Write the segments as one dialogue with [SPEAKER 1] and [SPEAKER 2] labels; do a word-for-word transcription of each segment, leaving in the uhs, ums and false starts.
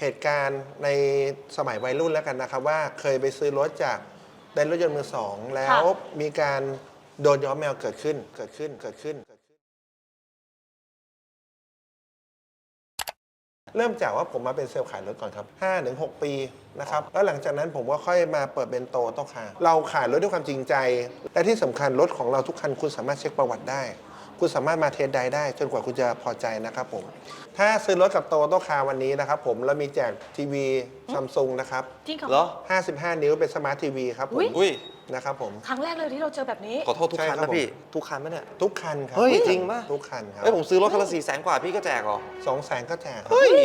[SPEAKER 1] เหตุการณ์ในสมัยวัยรุ่นแล้วกันนะครับว่าเคยไปซื้อรถจากเต็นท์รถยนต์มือสองแล้วมีการโดนย้อมแมวเกิดขึ้นเกิดขึ้นเกิดขึ้น เริ่มจากว่าผมมาเป็นเซลล์ขายรถก่อนครับ ห้าถึงหก ปีนะครับแล้วหลังจากนั้นผมก็ค่อยมาเปิดเป็นโตโต้คาร์เราขายรถด้วยความจริงใจและที่สำคัญรถของเราทุกคันคุณสามารถเช็คประวัติได้คุณสามารถมาเทสไดได้จนกว่าคุณจะพอใจนะครับผมถ้าซื้อรถกับโตโต้คาร์วันนี้นะครับผมเรามีแจกทีวีซัมซุงนะครับ
[SPEAKER 2] จริง
[SPEAKER 3] เหรอ
[SPEAKER 1] ห้าสิบห้านิ้วเป็นสมาร์ททีวีครับผม
[SPEAKER 3] อุ้ย
[SPEAKER 1] นะครับผม
[SPEAKER 2] ครั้งแรกเลยที่เราเจอแบบนี้
[SPEAKER 3] ขอโทษทุกคันนะพี่ทุกคันไหมเนี่ย
[SPEAKER 1] ทุกคันครับ
[SPEAKER 3] เฮ้ยจริงป่ะ
[SPEAKER 1] ทุกคันครับ
[SPEAKER 3] เฮ้ยผมซื้อรถคันละสี่แสนกว่าพี่ก็แจกเหรอ
[SPEAKER 1] สองแสนก็แจก
[SPEAKER 3] เฮ้ย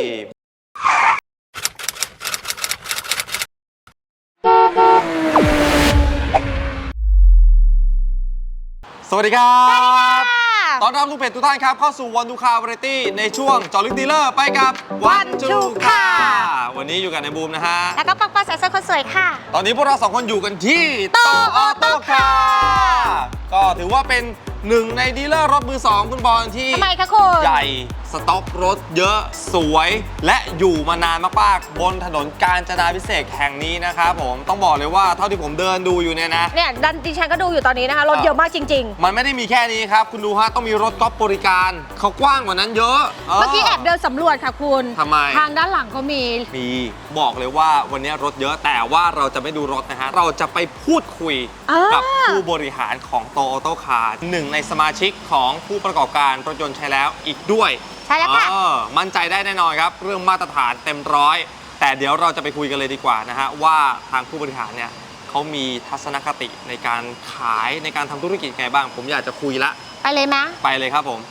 [SPEAKER 3] สวัสดีครับตอนรับทุกเพจทุกท่านครับเข้าสู่วันดูคาวาไรตี้ในช่วงเจาะลึกดีลเลอร์ไปกับวันดูคาวันนี้อยู่กับในบูมนะฮะ
[SPEAKER 2] แล้วก็ปักปักสายเสื้อคนสวยค่ะ
[SPEAKER 3] ตอนนี้พวกเราสองคนอยู่กันที่โตออโต้คาร์ก็ถือว่าเป็นหนึ่งในดีลเลอร์รถมือสองคุณบอลที่
[SPEAKER 2] ทำไมคะคุณ
[SPEAKER 3] ใหญ่สต็อกรถเยอะสวยและอยู่มานานมากๆบนถนนกาญจนาภิเษกแห่งนี้นะครับผมต้องบอกเลยว่าเท่าที่ผมเดินดูอยู่เนี่ยนะ
[SPEAKER 2] เนี่ยดันดิฉันก็ดูอยู่ตอนนี้นะคะรถเยอะมากจริง
[SPEAKER 3] ๆมันไม่ได้มีแค่นี้ครับคุณดูฮะต้องมีรถก๊อปบริการเขากว้างกว่านั้นเยอะ
[SPEAKER 2] เมื่อกี้แอบเดินสำรวจค่ะคุณ
[SPEAKER 3] ทำไม
[SPEAKER 2] ทางด้านหลังก็มี
[SPEAKER 3] มีบอกเลยว่าวันนี้รถเยอะแต่ว่าเราจะไม่ดูรถนะฮะเราจะไปพูดคุยกับผู้บริหารของโตออโต้คาร์หนึ่งในสมาชิกของผู้ประกอบการรถยนต์ใช้แล้วอีกด้วย
[SPEAKER 2] ใช่แล้วค่ะ
[SPEAKER 3] มั่นใจได้แน่นอนครับเรื่องมาตรฐานเต็มร้อยแต่เดี๋ยวเราจะไปคุยกันเลยดีกว่านะฮะว่าทางผู้บริหารเนี่ยเขามีทัศนคติในการขายในการทำธุรกิจไงบ้างผมอยากจะคุยละ
[SPEAKER 2] ไปเลยไหม
[SPEAKER 3] ไปเลยครับผม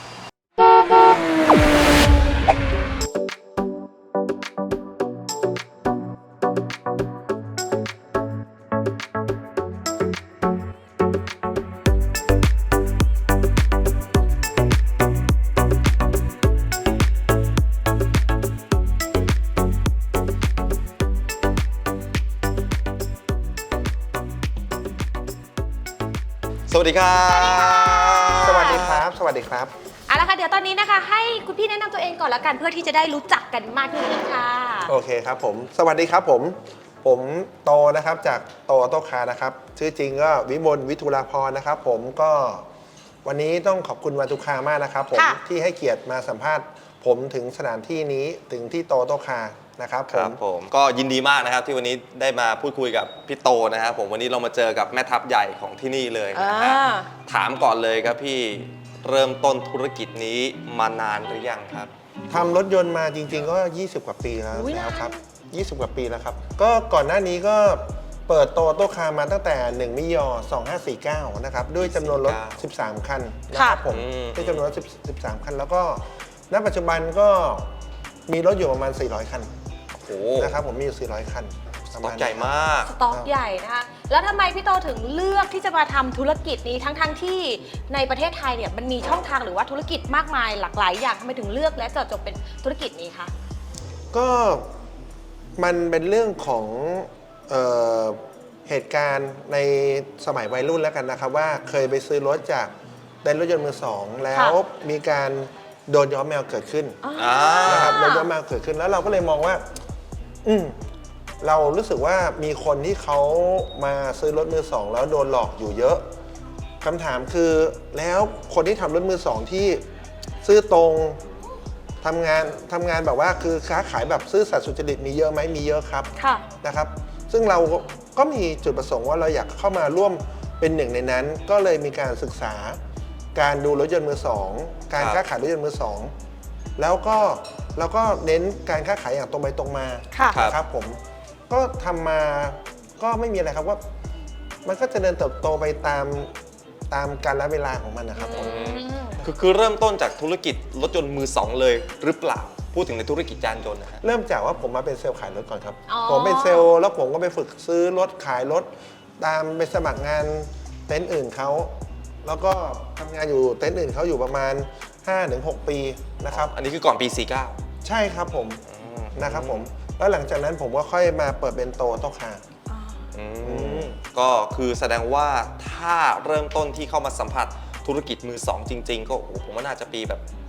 [SPEAKER 3] สวัสดีครับ
[SPEAKER 1] สวัสดีครับสวัสดีครับ
[SPEAKER 2] เอาละค่ะเดี๋ยวตอนนี้นะคะให้คุณพี่แนะนำตัวเองก่อนละกันเพื่อที่จะได้รู้จักกันมากขึ้นค่ะ
[SPEAKER 1] โอเคครับผมสวัสดีครับผมผมโตนะครับจากโตออโต้คาร์นะครับชื่อจริงก็วิมลวิทุลาพรนะครับผมก็วันนี้ต้องขอบคุณวันทุกคามากนะครับผมที่ให้เกียรติมาสัมภาษณ์ผมถึงสถานที่นี้ถึงที่โตออโต้คาร์นะครับ
[SPEAKER 3] ครับผมก็ยินดีมากนะครับที่วันนี้ได้มาพูดคุยกับพี่โตนะครับผมวันนี้เรามาเจอกับแม่ทัพใหญ่ของที่นี่เลยนะฮะถามก่อนเลยครับพี่เริ่มต้นธุรกิจนี้มานานหรือยังครับ
[SPEAKER 1] ทำรถยนต์มาจริงๆก็ยี่สิบกว่าปีแล้วแล้วครับยี่สิบกว่าปีแล้วครับก็ก่อนหน้านี้ก็เปิดโตโต้คาร์มาตั้งแต่หนึ่งมิยอสองห้าสี่เก้านะครับด้วยจำนวนรถสิบสามคันนะครับผมด้วยจำนวนรถสิบสามคันแล้วก็ณปัจจุบันก็มีรถอยู่ประมาณสี่ร้อยคันนะครับผมมีอยู่สี่ร้อยคัน
[SPEAKER 3] สต็อกใหญ่มาก
[SPEAKER 2] สต็อกใหญ่นะคะแล้วทำไมพี่โตถึงเลือกที่จะมาทำธุรกิจนี้ทั้งๆทที่ในประเทศไทยเนี่ยมันมีช่องทางหรือว่าธุรกิจมากมายหลากหลายอย่างทำไมถึงเลือกและเจาะจงเป็นธุรกิจนี้คะ
[SPEAKER 1] ก็มันเป็นเรื่องของเอ่อเหตุการณ์ในสมัยวัยรุ่นแล้วกันนะครับว่าเคยไปซื้อรถจากเต็นท์รถยนต์มือสองแล้วมีการโดนย้อมแมวเกิดขึ้นนะครับโดนย้อมแมวเกิดขึ้นแล้วเราก็เลยมองว่าอืมเรารู้สึกว่ามีคนที่เขามาซื้อรถมือสองแล้วโดนหลอกอยู่เยอะคำถามคือแล้วคนที่ทำรถมือสองที่ซื่อตรงทำงานทำงานแบบว่าคือค้าขายแบบซื่อสัตย์สุจริตมีเยอะไหมมีเยอะครับนะครับซึ่งเราก็มีจุดประสงค์ว่าเราอยากเข้ามาร่วมเป็นหนึ่งในนั้นก็เลยมีการศึกษาการดูรถยนต์มือสองการค้าขายรถยนต์มือสองแล้วก็เราก็เน้นการค้าขายอย่างตรงไปตรงมาครับผมก็ทำมาก็ไม่มีอะไรครับว่ามันก็จะเดินเติบโตไปตามตามกาลเวลาของมันนะครับผม
[SPEAKER 3] คือคือเริ่มต้นจากธุรกิจรถยนต์มือสองเลยหรือเปล่าพูดถึงในธุรกิจยานยนต์นะฮะ
[SPEAKER 1] เริ่มจากว่าผมมาเป็นเซลล์ขายรถก่อนครับผมเป็นเซลล์แล้วผมก็ไปฝึกซื้อรถขายรถตามไปสมัครงานเต็นท์อื่นเขาแล้วก็ทำงานอยู่เต็นท์อื่นเขาอยู่ประมาณ ห้าถึงหก ปีนะครับ
[SPEAKER 3] อันนี้คือก่อนปีสี่สิบเก้า
[SPEAKER 1] ใช่ครับผมนะครับผมแล้วหลังจากนั้นผมก็ค่อยมาเปิดเป็นโตโต้คาร์
[SPEAKER 3] ก็คือแสดงว่าถ้าเริ่มต้นที่เข้ามาสัมผัสธุรกิจมือสองจริงๆก็โอ้ผมว่าน่าจะปีแบบ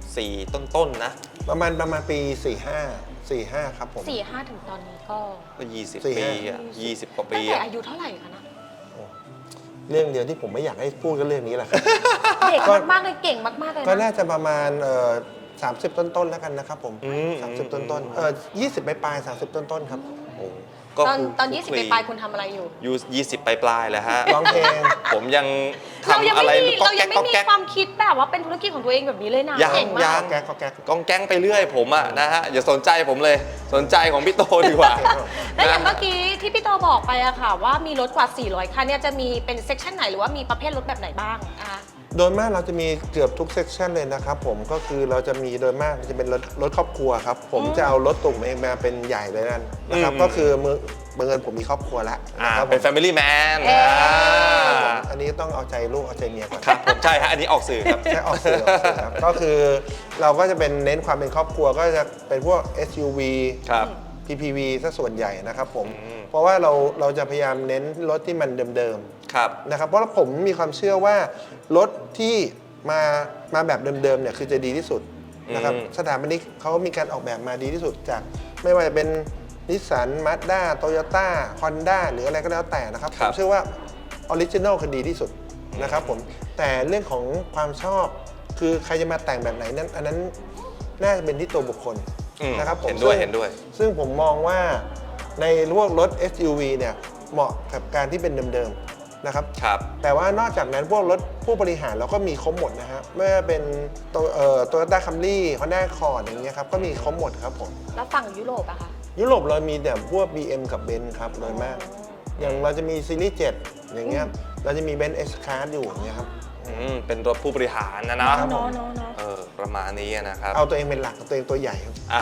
[SPEAKER 3] สี่ต้นๆนะ
[SPEAKER 1] ประมาณประมาณปีสี่ห้า สี่ห้าครับผม
[SPEAKER 2] สี่ห้าถึงตอนนี้ก็
[SPEAKER 3] ก็ยี่สิบ
[SPEAKER 1] สี่
[SPEAKER 3] ปี
[SPEAKER 1] ห้า
[SPEAKER 3] อ่ะยี่สิบกว่า
[SPEAKER 2] ตั้
[SPEAKER 3] ปี
[SPEAKER 2] งแต่
[SPEAKER 3] อะ
[SPEAKER 2] อายุเท่าไหร่คะนะ
[SPEAKER 1] เรื่องเดียวที่ผมไม่อยากให้พูดก็เรื่องนี้แหละครับ
[SPEAKER 2] เด็กมากๆเลยเก่งมากๆเลย
[SPEAKER 1] ก็
[SPEAKER 2] นะ
[SPEAKER 1] น่าจะประมาณเอ่อสามสิบต้นๆแล้วกันนะครับผม
[SPEAKER 3] อืม
[SPEAKER 1] สามสิบต้นๆเออยี่สิบปลายๆสามสิบต้นๆครับ
[SPEAKER 3] โอ้ก็
[SPEAKER 2] ตอน
[SPEAKER 3] คื
[SPEAKER 2] ตอนยี่สิบ
[SPEAKER 3] คลุก
[SPEAKER 2] ปลายๆคุณทำอะไรอยู่
[SPEAKER 3] ยูยี่สิบปลายๆแล้วฮะ
[SPEAKER 1] ร้องเพลง
[SPEAKER 3] ผมยัง
[SPEAKER 2] เรายัง
[SPEAKER 3] ทำอะไร
[SPEAKER 2] ไม่มี
[SPEAKER 3] ก็
[SPEAKER 2] เรา
[SPEAKER 3] แก๊
[SPEAKER 2] ยั
[SPEAKER 3] ก
[SPEAKER 2] งไม่
[SPEAKER 3] ก็
[SPEAKER 2] มี
[SPEAKER 3] แก๊ก
[SPEAKER 2] ความคิดแบบว่าเป็นธุรกิจของตัวเองแบบนี้เลยนะ
[SPEAKER 3] ยัง
[SPEAKER 2] เก่ง
[SPEAKER 3] ยั
[SPEAKER 2] มาก
[SPEAKER 3] ง
[SPEAKER 1] แก๊กก็แก๊ก
[SPEAKER 3] กองแก๊งไปเรื่อยผมอะนะฮะอย่าสนใจผมเลยสนใจของพี่โตดีกว่า
[SPEAKER 2] แล้วอย่าง
[SPEAKER 3] นะ
[SPEAKER 2] เมื่อกี้ที่พี่โตบอกไปอะค่ะ ว่ามีรถกว่า สี่ร้อย คันเนี่ยจะมีเป็นเซกชันไหนหรือว่ามีประเภทรถแบบไหนบ้างอ่ะ
[SPEAKER 1] โดยมากเราจะมีเกือบทุกเซกชันเลยนะครับผมก็คือเราจะมีโดยมากจะเป็นรถรถครอบครัวครับ ผมจะเอารถตุ่มเองมาเป็นใหญ่เลยนั่นนะครับ
[SPEAKER 3] อืม
[SPEAKER 1] ก็คือมือบังเอิญผมมีครอบครัวแล้ว
[SPEAKER 3] อ่า
[SPEAKER 1] นะครับผม
[SPEAKER 3] เป็น Family Man
[SPEAKER 2] เอ๊ะ
[SPEAKER 3] อ่า
[SPEAKER 1] อันนี้ต้องเอาใจลูกเอาใจเมียก่อน
[SPEAKER 3] ครับผมใช่ฮะอันนี้ออกสื่อครับ
[SPEAKER 1] ใช่ออกสื่อออกสื่อครับ ก็คือเราก็จะเป็นเน้นความเป็นครอบครัวก็จะเป็นพวก เอส ยู วี
[SPEAKER 3] ครับ
[SPEAKER 1] พี พี วี ซะส่วนใหญ่นะครับผม
[SPEAKER 3] อืม
[SPEAKER 1] เพราะว่าเราเราจะพยายามเน้นรถที่มันเดิม
[SPEAKER 3] ครับ
[SPEAKER 1] ๆนะครับเพราะผมมีความเชื่อว่ารถที่มามาแบบเดิมๆเนี่ยคือจะดีที่สุดนะครับ
[SPEAKER 3] อืม
[SPEAKER 1] สถาปนิกเขามีการออกแบบมาดีที่สุดจากไม่ว่าจะเป็นนิสสันมาสด้าโตโยต้าฮอนด้าหรืออะไรก็แล้วแต่นะครับ
[SPEAKER 3] ค
[SPEAKER 1] ผ
[SPEAKER 3] รับ
[SPEAKER 1] มเชื่อว่าออริจินอลคือดีที่สุดนะครับผมแต่เรื่องของความชอบคือใครจะมาแต่งแบบไหนนั้นอันนั้นน่าจะเป็นที่ตัวบุคคล
[SPEAKER 3] อืม
[SPEAKER 1] นะครับผม
[SPEAKER 3] เห็นด้วย
[SPEAKER 1] ซึ่ง
[SPEAKER 3] เห็นด้วย
[SPEAKER 1] ซึ่งผมมองว่าในพวกรถ เอส ยู วี เนี่ยเหมาะกับการที่เป็นเดิมๆนะครับ
[SPEAKER 3] ครับ
[SPEAKER 1] แต่ว่านอกจากนั้นพวกรถผู้บริหารเราก็มีครบหมดนะฮะไม่ว่าเป็นโตเอ่อโตโยต้าคัมรี่ฮอนด้าคอร์ดอย่างเงี้ยครับก็มีครบหมดครับผม
[SPEAKER 2] แล้วฝั่งยุโรปอะคะ
[SPEAKER 1] ยุโรปเรามีแต่พวก บี เอ็ม กับ เบนซ์ ครับโดยมาก อย่างเราจะมีซีรีส์เจ็ดอย่างเงี้ยเราจะมี เบนซ์ เอส คลาส อยู่อย่างเงี้ยครับ
[SPEAKER 3] อืมเป็นรถผู้บริหารนะนะครับ
[SPEAKER 2] เนาะเนาะเนาะ
[SPEAKER 3] เออประมาณนี้นะครับ
[SPEAKER 1] เอาตัวเองเป็นหลักตัวเองตัวใหญ่ครับ
[SPEAKER 3] อ่าร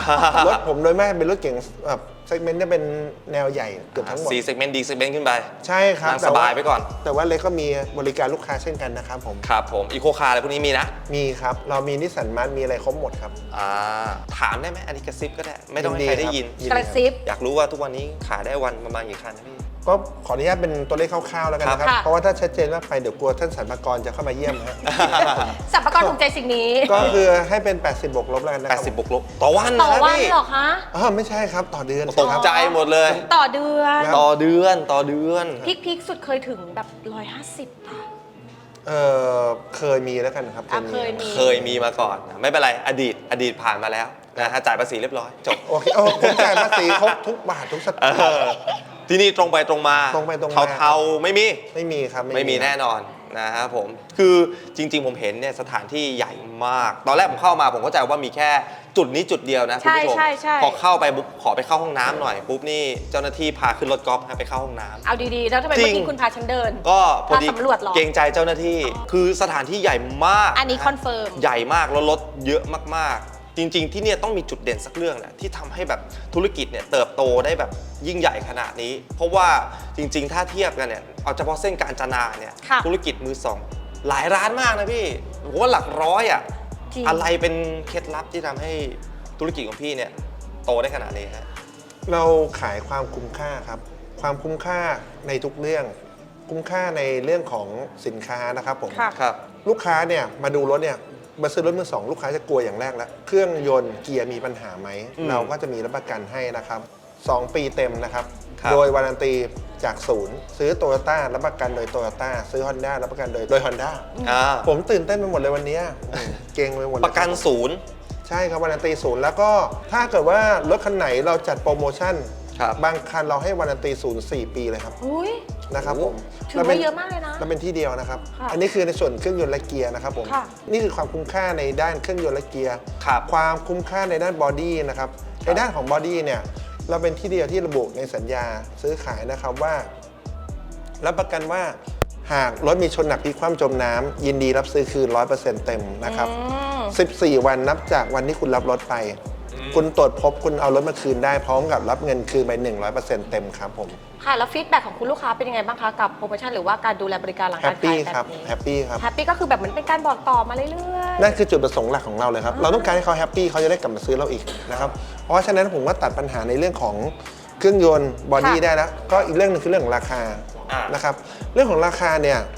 [SPEAKER 1] ถผมโดยมากเป็นรถเก๋งแบบเซกเมนต์จะเป็นแนวใหญ่เกือบทั้งหมด
[SPEAKER 3] สี่เซกเมนต์ดีเซกเมนต์ขึ้นไป
[SPEAKER 1] ใช่ครับ
[SPEAKER 3] นั่ง
[SPEAKER 1] แต่
[SPEAKER 3] ส
[SPEAKER 1] ว่
[SPEAKER 3] บายไปก่อน
[SPEAKER 1] แต่ว่าเล็กก็มีบริการลูกค้าเช่นกันนะครับผม
[SPEAKER 3] ครับผมอีโคคาร์อะไรพวกนี้มีนะ
[SPEAKER 1] มีครับ เรามีนิสสันมาร์มีอะไรครบหมดครับ
[SPEAKER 3] อ่าถามได้ไหมอันนี้กระซิบก็ได้ ไม่ต้องให้
[SPEAKER 1] ยิน
[SPEAKER 3] ใคร
[SPEAKER 1] ดี
[SPEAKER 3] ได้
[SPEAKER 1] ครับ
[SPEAKER 3] ยิน
[SPEAKER 1] ยิน
[SPEAKER 2] กระซิบ
[SPEAKER 3] อยากรู้ว่าทุกวันนี้ขายได้วันประมาณกี่คันนะพี่
[SPEAKER 1] ก็ขออนุญาตเป็นตัวเลขคร่าวๆแล้วกันนะครับ
[SPEAKER 2] ค่ะ
[SPEAKER 1] เพราะว่าถ้าชัดเจนมากไปเดี๋ยวกลัวท่านสรรพากรจะเข้ามาเยี่ยมนะฮะ
[SPEAKER 2] สัมภาระถูกใจสิ่งนี้
[SPEAKER 1] ก็คือให้เป็น แปดสิบ บวกลบแล้วกันนะค
[SPEAKER 3] แป
[SPEAKER 1] รั
[SPEAKER 3] ดสิบบวกลบต่อวัน
[SPEAKER 2] ต่อ
[SPEAKER 3] นะ
[SPEAKER 2] วัน
[SPEAKER 3] พี่
[SPEAKER 2] เหรอคะ
[SPEAKER 1] อ๋อไม่ใช่ครับต่อเดือน
[SPEAKER 3] ตกใจหมดเลย
[SPEAKER 2] ต่อเดือน
[SPEAKER 1] ครับ
[SPEAKER 3] ต่อเดือนต่อเดือน
[SPEAKER 2] พีคพีคสุดเคยถึงแบบร้อยห้าสิบค่ะ
[SPEAKER 1] เออเคยมีแล้วกันครับ
[SPEAKER 2] อ่ะเคยมี
[SPEAKER 3] เคยมีมาก่อน ไม่เป็นไร อดีต อดีตผ่านมาแล้วนะฮะจ่ายภาษีเรียบร้อย จบ
[SPEAKER 1] โอเคโอ้ผมจ่ายภาษีครบทุกบาททุกสตา
[SPEAKER 3] เอง
[SPEAKER 1] ค์
[SPEAKER 3] อที่นี่ตรงไปตรงมา
[SPEAKER 1] ตรงไปตรงมา
[SPEAKER 3] เทาๆไม่มี
[SPEAKER 1] ไม่มีครับ
[SPEAKER 3] ไม่มีแน่นอนนะครับผม คือจริงๆผมเห็นเนี่ยสถานที่ใหญ่มาก ตอนแรกผมเข้ามาผมเข้าใจว่ามีแค่จุดนี้จุดเดียวนะคุณ
[SPEAKER 2] ใช่
[SPEAKER 3] ผู้ชม
[SPEAKER 2] ใช่ใช่
[SPEAKER 3] พอเข้าไปปุ๊บขอไปเข้าห้องน้ำหน่อยปุ๊บนี่เจ้าหน้าที่พาขึ้นรถกอล์ฟให้ไปเข้าห้องน้ำ
[SPEAKER 2] เอาดีๆ แล้วทำไม
[SPEAKER 3] จริ
[SPEAKER 2] เมื่
[SPEAKER 3] ง
[SPEAKER 2] อกี้คุณพาฉันเดิน
[SPEAKER 3] ก็พอดี
[SPEAKER 2] พาสำรวจเหรอ
[SPEAKER 3] เกรงใจเจ้าหน้าที่ คือสถานที่ใหญ่มาก
[SPEAKER 2] อันนี้
[SPEAKER 3] ะฮะ
[SPEAKER 2] คอนเฟิร์ม
[SPEAKER 3] ใหญ่มากแล้วรถเยอะมากๆ จริง ๆ ที่เนี่ยต้องมีจุดเด่นสักเรื่องแหละที่ทำให้แบบธุรกิจเนี่ยเติบโตได้แบบยิ่งใหญ่ขนาดนี้ เพราะว่าจริง ๆ ถ้าเทียบกันเนี่ยเอาเฉพาะเส้นการจนาเนี่ย
[SPEAKER 2] ค่ะ
[SPEAKER 3] ธุรกิจมือสองหลายร้านมากนะพี่ผมว่าหลักร้อยอ่ะ
[SPEAKER 2] จริง
[SPEAKER 3] อะไรเป็นเคล็ดลับที่ทำให้ธุรกิจของพี่เนี่ยโตได้ขนาดนี้ฮะ
[SPEAKER 1] เราขายความคุ้มค่าครับ ความคุ้มค่าในทุกเรื่อง คุ้มค่าในเรื่องของสินค้านะครับผม
[SPEAKER 2] ค่ะ
[SPEAKER 3] ครับ
[SPEAKER 1] ลูกค้าเนี่ยมาดูรถเนี่ยมาซื้อรถมือสองลูกค้าจะกลัวอย่างแรกแล้วเครื่องยนต์เกียร์มีปัญหาไหม
[SPEAKER 3] อืม
[SPEAKER 1] เราก็จะมีรับประกันให้นะครับสองปีเต็มนะครับ
[SPEAKER 3] ครับ
[SPEAKER 1] โดยวารันตีจากศูนย์ซื้อโตโยต้ารับประกันโดยโตโยต้าซื้อ Honda รับประกันโดยโดย Honda
[SPEAKER 3] อ่า
[SPEAKER 1] ผมตื่นเต้นไปหมดเลยวันเนี้ยอืมเก่งไปหมดเลย
[SPEAKER 3] ประกันศูนย์
[SPEAKER 1] ใช่ครับวารันตีศูนย์แล้วก็ถ้าเกิดว่ารถคันไหนเราจัดโปรโมชั่น
[SPEAKER 3] ครับ
[SPEAKER 1] บางคันเราให้วารันตีศูนย์สี่ปีเลยครับ
[SPEAKER 2] อุ้ย
[SPEAKER 1] นะครับผม
[SPEAKER 2] ถือว่าเยอะมากเลยนะ
[SPEAKER 1] เราเป็นที่เดียวนะครับ
[SPEAKER 2] ค่ะ
[SPEAKER 1] อันนี้คือในส่วนเครื่องยนต์และเกียร์นะครับผม
[SPEAKER 2] ค่ะ
[SPEAKER 1] นี่คือความคุ้มค่าในด้านเครื่องยนต์และเกียร์
[SPEAKER 3] ครับ
[SPEAKER 1] ความคุ้มค่าในด้านบอดี้นะครับ ในด้านของบอดี้เนี่ยเราเป็นที่เดียวที่ระบุในสัญญาซื้อขายนะครับว่า รับประกันว่าหากรถมีชนหนักพลิกคว่ำจมน้ำยินดีรับซื้อคืน ร้อยเปอร์เซ็นต์ เต็มนะครับ
[SPEAKER 2] อืม
[SPEAKER 1] สิบสี่ วันนับจากวันที่คุณรับรถไป คุณตรวจพบคุณเอารถมาคืนได้พร้อมกับรับเงินคืนไป หนึ่งร้อยเปอร์เซ็นต์ เต็มครับผม
[SPEAKER 2] ค่ะ แล้วฟีดแบ็กของคุณลูกค้าเป็นยังไงบ้างคะ กับโปรโมชั่นหรือว่าการดูแลบริการหลัง
[SPEAKER 1] แฮ
[SPEAKER 2] การ
[SPEAKER 1] ป
[SPEAKER 2] ขา
[SPEAKER 1] ปี้
[SPEAKER 2] ย
[SPEAKER 1] ค
[SPEAKER 2] แบ
[SPEAKER 1] รับบ
[SPEAKER 2] นี้
[SPEAKER 1] แฮปปี้ครับ
[SPEAKER 2] แฮปปี้ก็คือแบบเหมือนเป็นการบอกต่อมาเรื่อยๆ
[SPEAKER 1] นั่นคือจุดประสงค์หลักของเราเลยครับ เราต้องการให้เขาแฮปปี้เขาจะได้กลับมาซื้อเราอีกนะครับ เพราะฉะนั้นผมก็ตัดปัญหาในเรื่องของเครื่องยนต์บอดี้
[SPEAKER 2] ค่ะ
[SPEAKER 1] ได้แล้ว ก็อีกเรื่องหนึงคือเรื่องของราคา
[SPEAKER 3] อ่าน
[SPEAKER 1] นะครับ เรื่องของราคาเนี่ย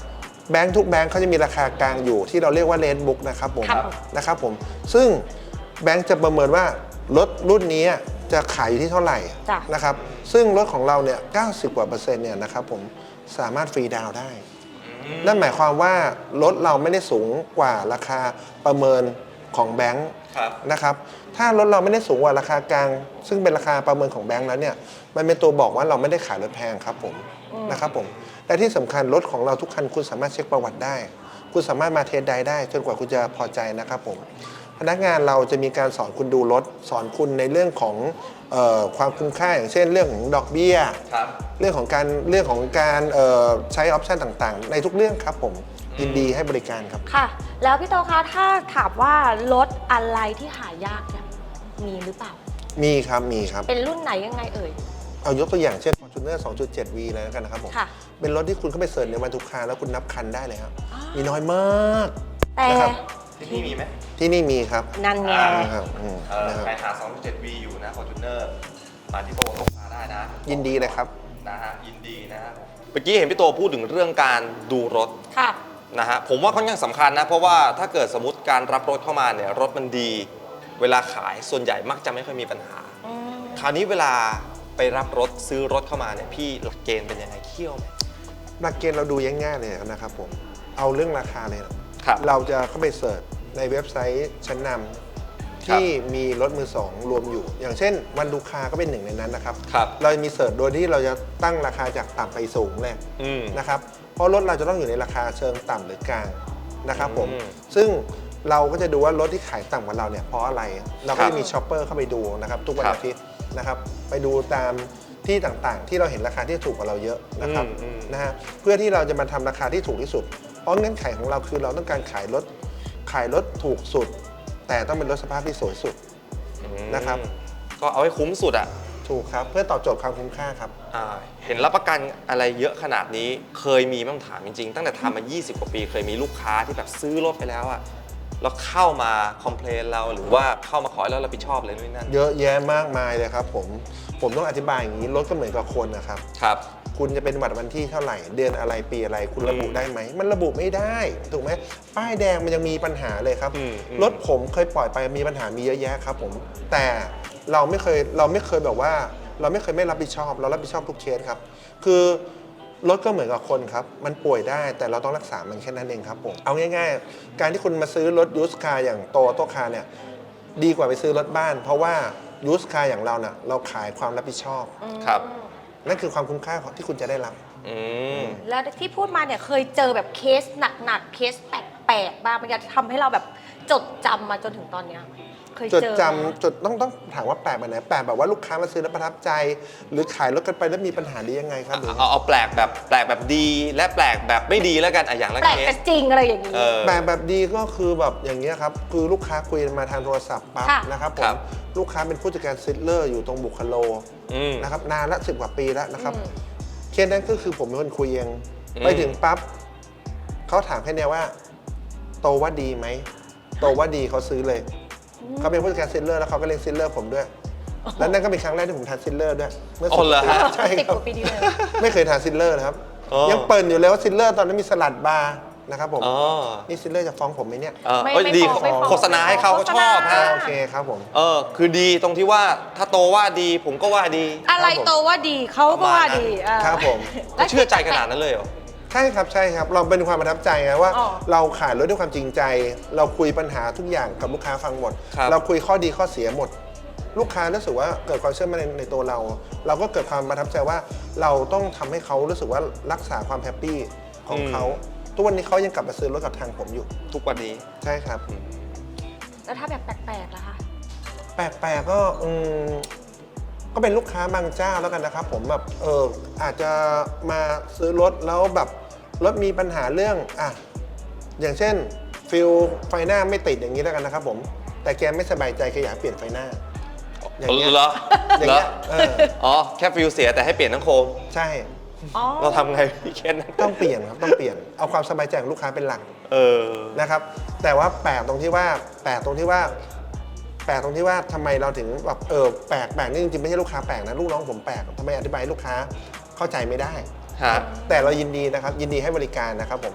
[SPEAKER 1] แบงค์ทุกแบงค์เขาจะมีราคากลางอยู่ที่เราเรียกว่าเลนบุ๊กนะครับผม
[SPEAKER 2] ครับ
[SPEAKER 1] นะครับผมซึ่งแบงค์จะประเมินว่ารถรุ่นนี้จะขายอยู่ที่เท่าไหร่
[SPEAKER 2] จ้ะ
[SPEAKER 1] นะครับซึ่งรถของเราเนี่ยเก้าสิบกว่าเปอร์เซ็นต์เนี่ยนะครับผมสามารถฟรีดาวน์ได้นั่นหมายความว่ารถเราไม่ได้สูงกว่าราคาประเมินของแบงค์
[SPEAKER 3] ครับ
[SPEAKER 1] นะครับถ้ารถเราไม่ได้สูงกว่าราคากลาง ซึ่งเป็นราคาประเมินของแบงค์แล้วเนี่ยมันเป็นตัวบอกว่าเราไม่ได้ขายรถแพงครับผมนะครับผมและที่สำคัญรถของเราทุกคันคุณสามารถเช็คประวัติได้ คุณสามารถมาเทสไดรฟ์ได้จนกว่าคุณจะพอใจนะครับผมพนักงานเราจะมีการสอนคุณดูรถสอนคุณในเรื่องของเออความคุ้มค่าอย่างเช่นเรื่องของดอกเบี้ย
[SPEAKER 3] ครับ
[SPEAKER 1] เรื่องของการเรื่องของการเอ่อใช้ออปชันต่างๆ ในทุกเรื่องครับผมยินดีให้บริการครับ
[SPEAKER 2] ค่ะ แล้วพี่โตคะถ้าถามว่ารถอะไรที่หายากเนี่ยมีหรือเปล่า
[SPEAKER 1] มีครับมีครับ
[SPEAKER 2] เป็นรุ่นไหนยังไงเอ่ย
[SPEAKER 1] เอายกตัวอย่างเช่น Fortuner สองจุดเจ็ด วี เลยแล้วกันนะครับผม
[SPEAKER 2] ค่ะ
[SPEAKER 1] เป็นรถที่คุณเข้าไปเสิร์ชในวันทุกคาแล้วคุณนับคันได้เลยครับ
[SPEAKER 2] อ๋อ
[SPEAKER 1] มีน้อยมาก
[SPEAKER 2] แต่
[SPEAKER 1] นะครับ
[SPEAKER 3] ที่นี่มีไหม
[SPEAKER 1] ที่นี่มีครับ
[SPEAKER 2] นั่นไง
[SPEAKER 3] อ่า
[SPEAKER 1] นะครับอืม
[SPEAKER 3] เออ
[SPEAKER 1] นะครับ
[SPEAKER 3] ใครหา สองจุดเจ็ด วี อยู่นะ Fortuner มาที่โตตกมาได้นะ
[SPEAKER 1] ยินดีเลยครับ
[SPEAKER 3] นะฮะยินดีนะฮะเมื่อกี้เห็นพี่โตพูดถึงเรื่องการดูรถ
[SPEAKER 2] ค่ะ
[SPEAKER 3] นะฮะผมว่าค่อนข้างสำคัญนะ เพราะว่าถ้าเกิดสมมติการรับรถเข้ามาเนี่ยรถมันดี เวลาขายส่วนใหญ่มักจะไม่ค่อยมีปัญหา
[SPEAKER 2] อืม
[SPEAKER 3] คราวนี้เวลาไปรับรถซื้อรถเข้ามาเนี่ยพี่หลักเกณฑ์เป็นยังไงเคี่ยวไหม
[SPEAKER 1] หลักเกณฑ์เราดูง่ายๆเลยนะครับผม เอาเรื่องราคาเลยนะครับ เราจะเข้าไปเสิร์ชในเว็บไซต์ชั้นนำที่มีรถมือสองรวมอยู่ อย่างเช่นวันดูคาก็เป็นหนึ่งในนั้นนะครับ
[SPEAKER 3] ครับ
[SPEAKER 1] เราจะมีเสิร์ชโดยที่เราจะตั้งราคาจากต่ำไปสูงเลย
[SPEAKER 3] อืม
[SPEAKER 1] นะครับเพราะรถเราจะต้องอยู่ในราคาเชิงต่ำหรือกลางนะครับผม
[SPEAKER 3] อืม
[SPEAKER 1] ซึ่งเราก็จะดูว่ารถที่ขายต่ำกว่าเราเนี่ยเพราะอะไร เราก็
[SPEAKER 3] ครับ
[SPEAKER 1] จะมีช็อปเปอร์เข้าไปดูนะครับทุกวัน
[SPEAKER 3] ครับ
[SPEAKER 1] อาทิตย์นะครับไปดูตามที่ต่างๆ ที่เราเห็นราคาที่ถูกกว่าเราเยอะนะครับ
[SPEAKER 3] อืมอืม
[SPEAKER 1] นะฮะเพื่อที่เราจะมาทำราคาที่ถูกที่สุด เพราะเงื่อนไขของเราคือเราต้องการขายรถขายรถถูกสุด แต่ต้องเป็นรถสภาพที่สวยสุด นะครับ
[SPEAKER 3] ก็เอาให้คุ้มสุดอ่ะ
[SPEAKER 1] ถูกครับเพื่อตอบโจทย์ความคุ้มค่าครับ
[SPEAKER 3] อ่าเห็นรับประกันอะไรเยอะขนาดนี้เคยมีบ้างถามจริงๆ ตั้งแต่ทำมา ยี่สิบ กว่าปี เคยมีลูกค้าที่แบบซื้อรถไปแล้วอะแล้วเข้ามาคอมเพลนเราหรือว่าเข้ามาขอให้เรารับผิดชอบอะไรนู่นนนั่น
[SPEAKER 1] เยอะแยะมากมายเลยครับผมผมต้องอธิบายอย่างนี้รถก็เหมือนกับคนนะครับ
[SPEAKER 3] ครับ
[SPEAKER 1] คุณจะเป็นวันวันที่เท่าไหร่ เดือนอะไรปีอะไรคุณระบุได้ไหม มันระบุไม่ได้ถูกไหมป้ายแดงมันยังมีปัญหาเลยครับ
[SPEAKER 3] อืมอืม
[SPEAKER 1] รถผมเคยปล่อยไปมีปัญหามีเยอะแยะครับผมแต่เราไม่เคยเราไม่เคยแบบว่า เราไม่เคยไม่รับผิดชอบ เรารับผิดชอบทุกเคสครับคือรถก็เหมือนกับคนครับมันป่วยได้แต่เราต้องรักษามันแค่นั้นเองครับผมเอาง่ายๆ การที่คุณมาซื้อรถยูสคาร์อย่างโตโตคาร์เนี่ยดีกว่าไปซื้อรถบ้าน เพราะว่ายูสคาร์อย่างเราเน่ะเราขายความรับผิดชอบ
[SPEAKER 3] ครับ
[SPEAKER 1] นั่นคือความคุ้มค่าของที่คุณจะได้รับ
[SPEAKER 3] อืม
[SPEAKER 2] แล้วที่พูดมาเนี่ยเคยเจอแบบเคสหนักๆเคสแปลกๆบ้างมันจะทำให้เราแบบจดจำมาจนถึงตอนเนี้ยเคย
[SPEAKER 1] จด
[SPEAKER 2] เจอ
[SPEAKER 1] จำ
[SPEAKER 2] ไหม
[SPEAKER 1] จดต้องต้องถามว่าแปลกแบบไหนแปลกแบบว่าลูกค้ามาซื้อแล้วประทับใจ หรือขายรถกันไปแล้วมีปัญหาดียังไงครับหรือ
[SPEAKER 3] เอาเอาแปลกแบบแปลกแบบดีและแปลกแบบไม่ดีแล้วกันอ่ะอย่างละ
[SPEAKER 2] แปลก
[SPEAKER 3] เค
[SPEAKER 2] แต่
[SPEAKER 3] ส
[SPEAKER 2] จริงอะไรอย่างนี้
[SPEAKER 3] เออ
[SPEAKER 1] แปลกแบบดีก็คือแบบอย่างเงี้ยครับคือลูกค้าคุยมาทางโทรศัพท์ปั๊บ
[SPEAKER 2] ค่ะ
[SPEAKER 1] นะครับผ
[SPEAKER 3] ครั
[SPEAKER 1] ม
[SPEAKER 3] บ
[SPEAKER 1] ลูกค้าเป็นผู้จัดการซิลเลอร์อยู่ตรงบุคโล
[SPEAKER 3] อืม
[SPEAKER 1] นะครับนานละสิบกว่าปีแล้วนะครับ
[SPEAKER 2] อืม
[SPEAKER 1] เคสนั้นก็คือผมเป็นคนคุยเอง
[SPEAKER 3] อืม
[SPEAKER 1] ไปถึงปั๊บเขาถามแค่เนี้ยว่า โตว่าดีไหมโตว่าดีเขาซื้อเลยเขาเป็นผู้จัดการซิลเลอร์แล้วเขาก็เลี้ยงซิลเลอร์ผมด้วย แล้วนั่นก็เป็นครั้งแรกที่ผมทานซิลเลอร์ด้วยเมื่อ
[SPEAKER 3] อ๋อเหรอฮะ
[SPEAKER 1] ใช่
[SPEAKER 2] สิบ
[SPEAKER 1] ครั
[SPEAKER 2] ก
[SPEAKER 1] บ
[SPEAKER 2] ว่าปีที่แล้ว
[SPEAKER 1] ไม่เคยทานซิลเลอร์นะครับ
[SPEAKER 3] อ๋อ
[SPEAKER 1] ยังเปิดอยู่เลยว่าซิลเลอร์ตอนนั้นมีสลัดบาร์นะครับผม
[SPEAKER 3] อ๋อ
[SPEAKER 1] นี่ซิลเลอร์จะฟ้องผมไหมเนี่ย
[SPEAKER 3] เออ
[SPEAKER 2] ไม่
[SPEAKER 3] เอ้ย
[SPEAKER 2] ไม่
[SPEAKER 3] ดี
[SPEAKER 2] ฟ้องไม่ฟ้อง
[SPEAKER 3] โฆษณาให้เขาเขาชอบ
[SPEAKER 2] โฆษณา
[SPEAKER 3] ฮะ
[SPEAKER 1] โอเคครับผม
[SPEAKER 3] เออคือดีตรงที่ว่าถ้าโตว่าดีผมก็ว่าดี
[SPEAKER 2] อะไรโตว่าดีเขาก็ว่าดีอ่า
[SPEAKER 1] ครับผม
[SPEAKER 2] แล้ว
[SPEAKER 3] เชื่อใจขนาดนั้นเลยเหรอ
[SPEAKER 1] ใช่ครับใช่ครับเราเป็นความประทับใจไงว่า
[SPEAKER 2] อ๋อ
[SPEAKER 1] เราขายรถด้วยความจริงใจ เราคุยปัญหาทุกอย่างกับลูกค้าฟังหมด
[SPEAKER 3] ครับ
[SPEAKER 1] เราคุยข้อดีข้อเสียหมด ลูกค้ารู้สึกว่าเกิดความเชื่อมั่นในในตัวเรา เราก็เกิดความประทับใจว่าเราต้องทำให้เขารู้สึกว่ารักษาความแฮปปี้ของเขาทุกวันนี้เขายังกลับมาซื้อรถกับทางผมอยู่
[SPEAKER 3] ทุกวันนี้
[SPEAKER 1] ใช่ครับ
[SPEAKER 2] แล้วถ้าแบบแปลกๆล่ะคะ
[SPEAKER 1] แปลกๆก็อืมก็เป็นลูกค้าบางเจ้าแล้วกันนะครับ ผมแบบเอออาจจะมาซื้อรถแล้วแบบรถมีปัญหาเรื่องอ่ะอย่างเช่นฟิลไฟหน้าไม่ติดอย่างนี้แล้วกันนะครับผมแต่แกไม่สบายใจแกอยากเปลี่ยนไฟหน้า อย่างเงี้ย
[SPEAKER 3] เหรอ
[SPEAKER 1] อย่าง
[SPEAKER 3] เหรอ
[SPEAKER 1] เงี้ยเออ
[SPEAKER 3] อ๋อแค่ฟิลเสียแต่ให้เปลี่ยนทั้งโคม
[SPEAKER 1] ใช่
[SPEAKER 2] อ๋อ
[SPEAKER 3] เราทำไงพี่เคนนั้น
[SPEAKER 1] ต้องเปลี่ยนครับต้องเปลี่ยนเอาความสบายใจของลูกค้าเป็นหลัก
[SPEAKER 3] เออ
[SPEAKER 1] นะครับ แต่ว่าแปลกตรงที่ว่าแปลกตรงที่ว่า แปลกตรงที่ว่าทำไมเราถึงแบบเออแปลกแปลกนี่จริงๆไม่ใช่ลูกค้าแปลกนะลูกน้องผมแปลกทำไมอธิบายให้ลูกค้าเข้าใจไม่ได้
[SPEAKER 3] ฮะ
[SPEAKER 1] แต่เรายินดีนะครับยินดีให้บริการนะครับผม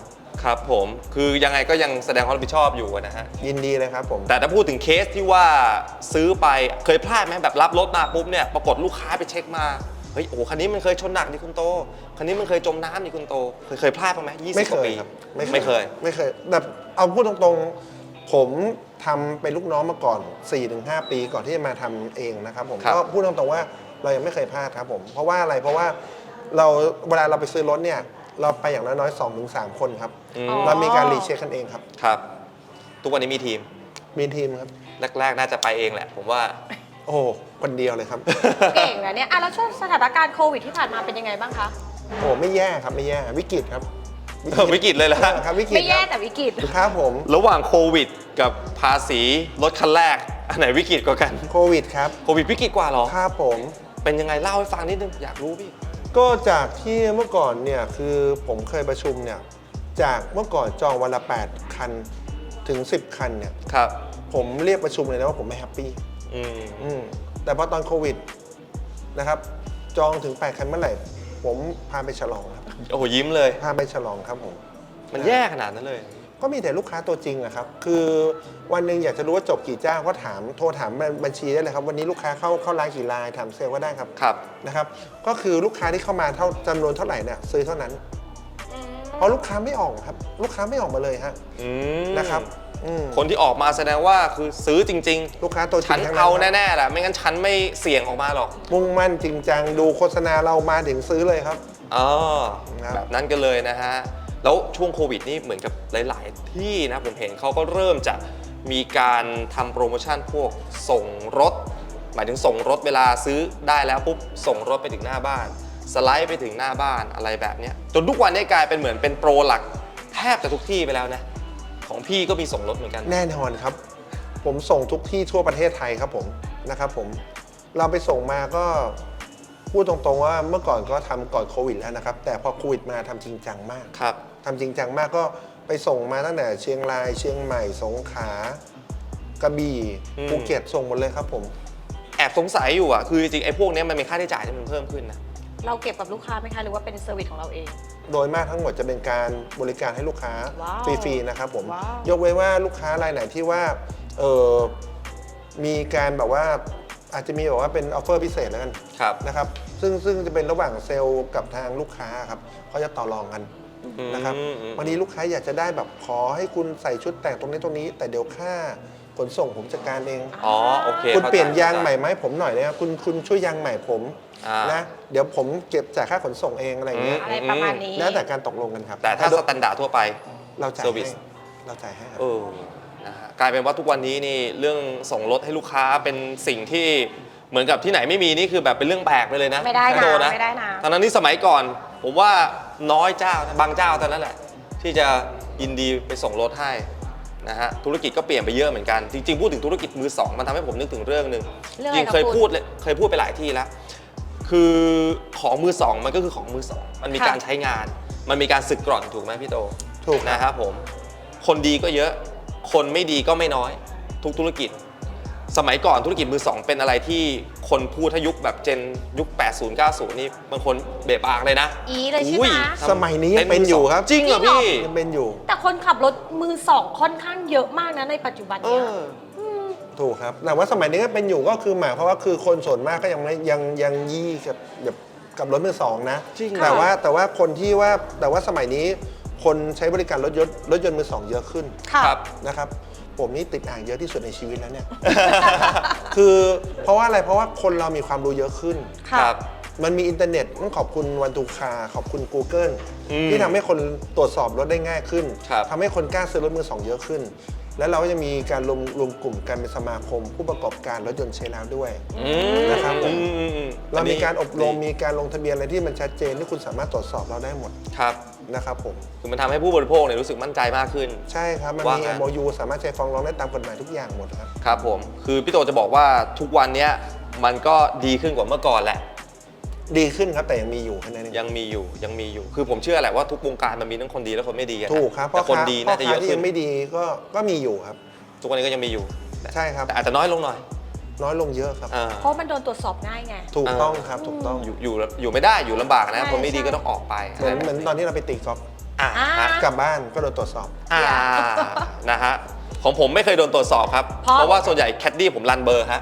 [SPEAKER 3] ครับผมคือยังไงก็ยังแสดงความรับผิดชอบอยู่นะฮะ
[SPEAKER 1] ยินดีเลยครับผม
[SPEAKER 3] แต่ถ้าพูดถึงเคสที่ว่าซื้อไปเคยพลาดไหมแบบรับรถมาปุ๊บเนี่ยปรากฏลูกค้าไปเช็คมาเฮ้ยโอ้โหคันนี้มันเคยชนหนักนี่คุณโตคันนี้มันเคยจมน้ำนี่คุณโตเคยเคยพลาดบ้างไหมยี่สิ
[SPEAKER 1] ไม่
[SPEAKER 3] บ
[SPEAKER 1] เค
[SPEAKER 3] กว่าย ปี
[SPEAKER 1] ครับ
[SPEAKER 3] ไม่เคย
[SPEAKER 1] ไม่เคยแบบเอาพูดตรงๆผมทำเป็นลูกน้องมาก่อน สี่ถึงห้า ปีก่อนที่จะมาทำเองนะครับผม
[SPEAKER 3] ครับ
[SPEAKER 1] ก็พูดตรงๆว่าเรายังไม่เคยพลาดครับผมเพราะว่าอะไรเพราะว่าเราเวลาเราไปซื้อรถเนี่ยเราไปอย่างน้อยๆ สองถึงสาม คนครับ
[SPEAKER 3] อืม
[SPEAKER 2] อ๋อ
[SPEAKER 1] เรามีการรีเช็คกันเองครับ
[SPEAKER 3] ครับ ทุกวันนี้มีทีม
[SPEAKER 1] มีทีมครับ
[SPEAKER 3] แรกๆน่าจะไปเองแหละ ผมว่า
[SPEAKER 1] โอ้คนเดียวเลยครับ
[SPEAKER 2] เก่งนะเนี่ยอ่ะแล้วช่วงสถานการณ์โควิดที่ผ่านมาเป็นยังไงบ้างคะ
[SPEAKER 1] โอ้ไม่แย่ครับไม่แย่วิกฤตครับ
[SPEAKER 3] วิกฤตเลยเหรอฮะ
[SPEAKER 1] ครับวิกฤต
[SPEAKER 2] ไม่แย่
[SPEAKER 1] ครับ
[SPEAKER 2] แต่วิกฤต
[SPEAKER 1] ครับผม
[SPEAKER 3] ระหว่างโควิด กับภาษีรถคันแรก อันไหนวิกฤตกว่ากัน
[SPEAKER 1] โควิดครับ
[SPEAKER 3] โควิดวิกฤตกว่าเหรอ
[SPEAKER 1] ครับผม
[SPEAKER 3] เป็นยังไงเล่าให้ฟังนิดนึงอยากรู้พี่
[SPEAKER 1] ก็จากที่เมื่อก่อนเนี่ยคือผมเคยประชุมเนี่ยจากเมื่อก่อนจองวันละ แปด คันถึง สิบ คันเนี่ย
[SPEAKER 3] ครับ
[SPEAKER 1] ผมเรียกประชุมเลยนะว่าผมไม่แฮปปี้
[SPEAKER 3] อืม
[SPEAKER 1] อืมแต่พอตอนโควิดนะครับจองถึง แปด คันเมื่อไหร่ ผมพาไปฉลองครับ
[SPEAKER 3] โอ้โหยิ้มเลย
[SPEAKER 1] พาไปฉลองครับผม
[SPEAKER 3] มันแย่ขนาดนั้นเลย
[SPEAKER 1] ก็มีแต่ลูกค้าตัวจริงอะครับคือวันหนึ่งอยากจะรู้ว่าจบกี่เจ้าก็ถามโทรถามบัญชีได้เลยครับวันนี้ลูกค้าเข้าเข้าร้านกี่รายถามเซลล์ก็ได้ครับ
[SPEAKER 3] ครับ
[SPEAKER 1] นะครับก็คือลูกค้าที่เข้ามาเท่าจำนวนเท่าไหร่เนี่ยซื้อเท่านั้น เพราะลูกค้าไม่ออกครับลูกค้าไม่ออกมาเลยฮะ
[SPEAKER 3] อืม
[SPEAKER 1] นะครับอืม
[SPEAKER 3] คนที่ออกมาแสดงว่าคือซื้อจริง
[SPEAKER 1] ลูกค้าตัวจ
[SPEAKER 3] ๆ
[SPEAKER 1] ริ
[SPEAKER 3] ฉัน
[SPEAKER 1] งทั้ง
[SPEAKER 3] เอา
[SPEAKER 1] ครับ
[SPEAKER 3] แน่ๆแหละไม่งั้นฉันไม่เสี่ยงออกมาหรอก
[SPEAKER 1] มุ่งมั่นจริงจังดูโฆษณาเรามาถึงซื้อเลยครับ
[SPEAKER 3] อ๋อ
[SPEAKER 1] ครับ
[SPEAKER 3] แบบนั้นกันเลยนะฮะ แล้วช่วงโควิดนี่เหมือนกับหลายๆ ที่นะผมเห็นเขาก็เริ่มจะมีการทำโปรโมชั่นพวกส่งรถ หมายถึงส่งรถเวลาซื้อได้แล้วปุ๊บส่งรถไปถึงหน้าบ้าน สไลด์ไปถึงหน้าบ้านอะไรแบบเนี้ยจนทุกวันนี้กลายเป็นเหมือนเป็นโปรหลักแทบจะทุกที่ไปแล้วนะของพี่ก็มีส่งรถเหมือนกัน
[SPEAKER 1] แน่นอนครับ ผมส่งทุกที่ทั่วประเทศไทยครับผมนะครับผมเราไปส่งมาก็พูดตรงๆว่าเมื่อก่อนก็ทำก่อนโควิดแล้วนะครับแต่พอโควิดมาทำจริงจังมาก
[SPEAKER 3] ครับ
[SPEAKER 1] ทำจริงจังมากก็ไปส่งมาตั้งแต่เชียงรายเชียงใหม่สงขลากระบี่
[SPEAKER 3] อืม
[SPEAKER 1] ภูเก็ตส่งหมดเลยครับผม
[SPEAKER 3] แอบสงสัยอยู่อ่ะคือจริงๆไอ้พวกเนี้ยมันมีค่าใช้จ่ายที่มันเพิ่มขึ้นนะ
[SPEAKER 2] เราเก็บกับลูกค้าไหมคะหรือว่าเป็นเซอร์วิสของเราเอง
[SPEAKER 1] โดยมากทั้งหมดจะเป็นการบริการให้ลูกค้า
[SPEAKER 2] ว้าว
[SPEAKER 1] ฟรีๆนะครับผม
[SPEAKER 2] ว้าว
[SPEAKER 1] ยกเว้นว่าลูกค้ารายไหนที่ว่าเออมีการแบบว่าอาจจะมีแบบว่าเป็นออฟเฟอร์พิเศษแล้วกัน
[SPEAKER 3] ครับ
[SPEAKER 1] นะครับซึ่งซึ่งจะเป็นระหว่างเซลล์กับทางลูกค้าครับเขาจะต่อรองกันนะครับ
[SPEAKER 3] อืมอืม
[SPEAKER 1] บางทีลูกค้าอยากจะได้แบบขอให้คุณใส่ชุดแต่งตรงนี้ตรงนี้ แต่เดี๋ยวค่าขนส่งผมจัดการเอง
[SPEAKER 3] อ๋อโอเค
[SPEAKER 1] คุณ
[SPEAKER 3] ข้าใจ
[SPEAKER 1] เปลี่ยนยางใหม่
[SPEAKER 3] เข้
[SPEAKER 1] ไหมผมหน่อยนะครับคุณคุณช่วยยางใหม่ผม
[SPEAKER 3] อ่าน
[SPEAKER 1] นะเดี๋ยวผมเก็บจ่ายค่าขนส่งเองอะไรอย่างเงี้ย
[SPEAKER 2] อะไรประมาณนี้
[SPEAKER 1] แล้วแต่การตกลงกันครับ
[SPEAKER 3] แต่ถ้าสแตนดาร์ดทั่วไป
[SPEAKER 1] เราจ่าย
[SPEAKER 3] Service
[SPEAKER 1] ให้เราจ่ายให้ครับ
[SPEAKER 3] เออนะฮะกลายเป็นว่าทุกวันนี้นี่เรื่องส่งรถให้ลูกค้าเป็นสิ่งที่เหมือนกับที่ไหนไม่มีนี่คือแบบเป็นเรื่องแปลกไปเลยนะ
[SPEAKER 2] ไม่ได้นะ
[SPEAKER 3] โด
[SPEAKER 2] ไม่ได้นะ
[SPEAKER 3] ตอนนั้นนี่สมัยก่อน ผมว่าน้อยเจ้านะบางเจ้าเท่านั้นแหละ ที่จะยินดีไปส่งรถให้นะฮะธุรกิจก็เปลี่ยนไปเยอะเหมือนกัน จริงๆพูดถึงธุรกิจมือสองมันทำให้ผมนึกถึงเรื่องหนึ่ง
[SPEAKER 2] เรื่องอะไร
[SPEAKER 3] จริงเคย
[SPEAKER 2] ครับ
[SPEAKER 3] พูดเลยเคยพูดไปหลายที่แล้ว คือของมือสองมันก็คือของมือสองมันมี
[SPEAKER 2] ค่ะ
[SPEAKER 3] การใช้งาน มันมีการสึกกร่อนถูกไหมพี่โต
[SPEAKER 1] ถูกครับ
[SPEAKER 3] นะครับผมคนดีก็เยอะ คนไม่ดีก็ไม่น้อย ทุกธุรกิจ สมัยก่อนธุรกิจมือสองเป็นอะไรที่คนพูดถ้ายุคแบบเจนยุค แปดสิบ เก้าสิบ นี่บางคนเบะปากเลยนะ
[SPEAKER 2] อีเลยใช่ไหม
[SPEAKER 3] อุ้ย
[SPEAKER 1] สมัยนี้ยังเป็นอยู่ครับ
[SPEAKER 3] จริงเหรอ
[SPEAKER 2] จริงเหรอ
[SPEAKER 3] พี่
[SPEAKER 1] ยังเป็นอยู่
[SPEAKER 2] แต่คนขับรถมือสองค่อนข้างเยอะมากนะในปัจจุบัน
[SPEAKER 3] เอ
[SPEAKER 2] เนี้ย
[SPEAKER 3] อ
[SPEAKER 1] ถูกครับแต่ว่าสมัยนี้ก็เป็นอยู่ก็คือหมายเพราะว่าคือคนส่วนมากก็ยังไม่ยังยังยี่กับแบบกับรถมือสองนะ
[SPEAKER 3] จริงเหรอ
[SPEAKER 1] แต่ว่าแต่ว่าคนที่ว่าแต่ว่าสมัยนี้คนใช้บริการรถยนต์รถยนต์มือสองเยอะขึ้น
[SPEAKER 2] ค่ะ
[SPEAKER 3] ครับ
[SPEAKER 1] นะครับผมนี่ติดอ่างเยอะที่สุดในชีวิตแล้วเนี่ย คือเพราะว่าอะไรเพราะว่าคนเรามีความรู้เยอะขึ้น
[SPEAKER 2] ค่ะ
[SPEAKER 3] ครับ
[SPEAKER 1] มันมีอินเทอร์เน็ตต้องขอบคุณวันทูคาขอบคุณ Google
[SPEAKER 3] อืม
[SPEAKER 1] ที่ทำให้คนตรวจสอบรถได้ง่ายขึ้น
[SPEAKER 3] ครับ
[SPEAKER 1] ทำให้คนกล้าซื้อรถมือสองเยอะขึ้น แล้วเราก็จะมีการรวมรวมกลุ่มกันเป็นสมาคม ผู้ประกอบการรถยนต์ใช้แล้วด้วย
[SPEAKER 3] อืม
[SPEAKER 1] นะครับผม
[SPEAKER 3] อือือื
[SPEAKER 1] เรามีการอบรม
[SPEAKER 3] ดี
[SPEAKER 1] มีการลงทะเบียนอะไรที่มันชัดเจนที่คุณสามารถตรวจสอบเราได้หมด
[SPEAKER 3] ครับ
[SPEAKER 1] นะครับผม
[SPEAKER 3] คือมันทำให้ผู้บริโภคเนี่ยรู้สึกมั่นใจมากขึ้น
[SPEAKER 1] ใช่ครับ มัน
[SPEAKER 3] ว่า
[SPEAKER 1] มี
[SPEAKER 3] ไง
[SPEAKER 1] เอ็ม โอ ยู สามารถใช้ฟ้องร้องได้ตามกฎหมายทุกอย่างหมดครับ
[SPEAKER 3] ครับผม คือพี่โตจะบอกว่าทุกวันเนี้ยมันก็ดีขึ้นกว่าเมื่อก่อนแหละ
[SPEAKER 1] ดีขึ้นครับแต่ยังมีอยู่แค่นั้นเอง
[SPEAKER 3] ยังมีอยู่ยังมีอยู่ คือผมเชื่อแหละว่าทุกวงการมันมีทั้งคนดีและคนไม่ดีอะนะ
[SPEAKER 1] ถูกครับ
[SPEAKER 3] แต่คนดีน่าจะเยอะ
[SPEAKER 1] ที่
[SPEAKER 3] ขึ้
[SPEAKER 1] ยั
[SPEAKER 3] น
[SPEAKER 1] งไม่ดีก็ก็มีอยู่ครับ
[SPEAKER 3] ทุกวันนี้ก็ยังมีอยู่แต่
[SPEAKER 1] ใช่ครับ
[SPEAKER 3] แต่อาจจะน้อยลงหน่อย
[SPEAKER 1] น้อยลงเยอะครับ
[SPEAKER 3] อ่า
[SPEAKER 2] เพราะมันโดนตรวจสอบง่ายไง
[SPEAKER 1] ถูกต้องครับถูกต้อง
[SPEAKER 3] อยู่อยู่อยู่ไม่ได้อยู่ลำบากนะ
[SPEAKER 2] ใช่
[SPEAKER 3] คนไม่ดี
[SPEAKER 2] ใช่
[SPEAKER 3] ก็ต้องออกไป
[SPEAKER 1] เหมือนเหมือนตอนที่เราไปตีกอล์ฟ
[SPEAKER 3] อ่าฮะ
[SPEAKER 1] กลับบ้านก็โดนตรวจสอบ
[SPEAKER 3] อ่านะฮะของผมไม่เคยโดนตรวจสอบครับ
[SPEAKER 2] เพราะ
[SPEAKER 3] เพราะว่าส่วนใหญ่แคดดี้ผมรันเบอร์ฮะ